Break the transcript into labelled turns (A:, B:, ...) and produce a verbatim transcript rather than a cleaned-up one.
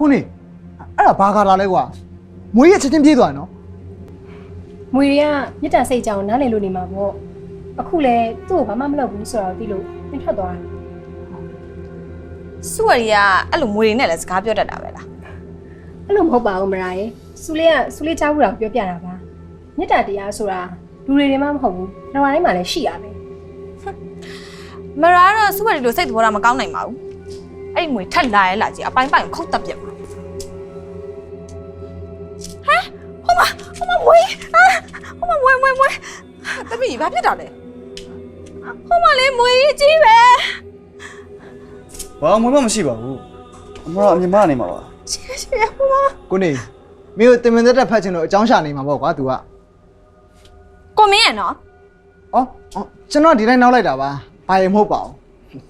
A: ခုနေအဲ့ဒါဘာကာလာလဲကွာမွေးရချက်ချင်းပြေးသွားနော်
B: မွေတွေကမြစ်တာစိတ်ကြောင်နားလည်လို့နေမှာပေါ့အခုလဲသူ့ကိုဘာမှမလုပ်ဘူးဆိုတော့သိလို့ပြန်ထွက်သွားတယ်
C: စုဝရီကအဲ့လိုမွေတွေနဲ့လည်းစကားပြောတတ်တာပဲလား
B: အဲ့လိုမဟုတ်ပါဘူးမရာရဲ့စူလေးကစူလေးချဘူးတော့ပြောပြတာပါမြစ်တာတရားဆိုတာလူတွေတွေမှမဟုတ်ဘူးနှဝတိုင်းမှာလည်းရှိရမယ်
C: မရာတော့စုဝရီလိုစိတ်သဘောထားမကောင်းနိုင်ပါဘူးအဲ့ဒီမွေထက်လာရဲလာကြီးအပိုင်းပိုင်းခုတ်တက်ပြက်ပါဟမ်ဟိုမဟိုမမွေဟိုမမွေမွေမွေတပည့်ဘာဖြစ်တာလဲဟိုမလေးမွေကြီးပဲ
D: ဘာမှမရှိပါဘူးအမကအမြင်မနေမှာပါ
C: ရှေ့ရှေ့ဟိုမ
A: ကိုနေမင်းတို့တင်မင်သက်တက်ဖတ်ချင်တော့အကြောင်းရှာနေမှာပေါ့ကွာ तू က
C: ကိုမင်းရနော်
A: အော်ကျွန်တော်ဒီတိုင်းနောက်လိုက်တာပါဘာရင်မဟုတ်ပါဘူး